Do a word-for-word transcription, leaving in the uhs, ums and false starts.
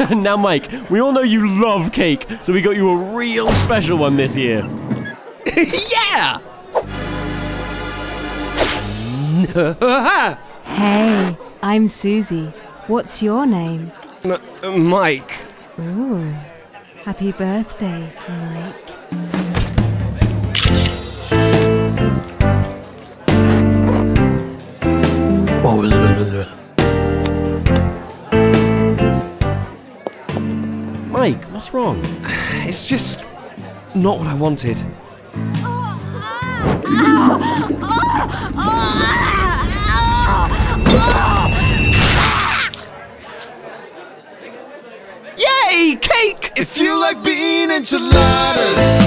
Now, Mike, we all know you love cake, so we got you a real special one this year. Yeah! Hey, I'm Susie. What's your name? M Mike. Ooh, happy birthday, Mike. Mike, what's wrong? It's just not what I wanted. Yay! Cake! If you like bean enchiladas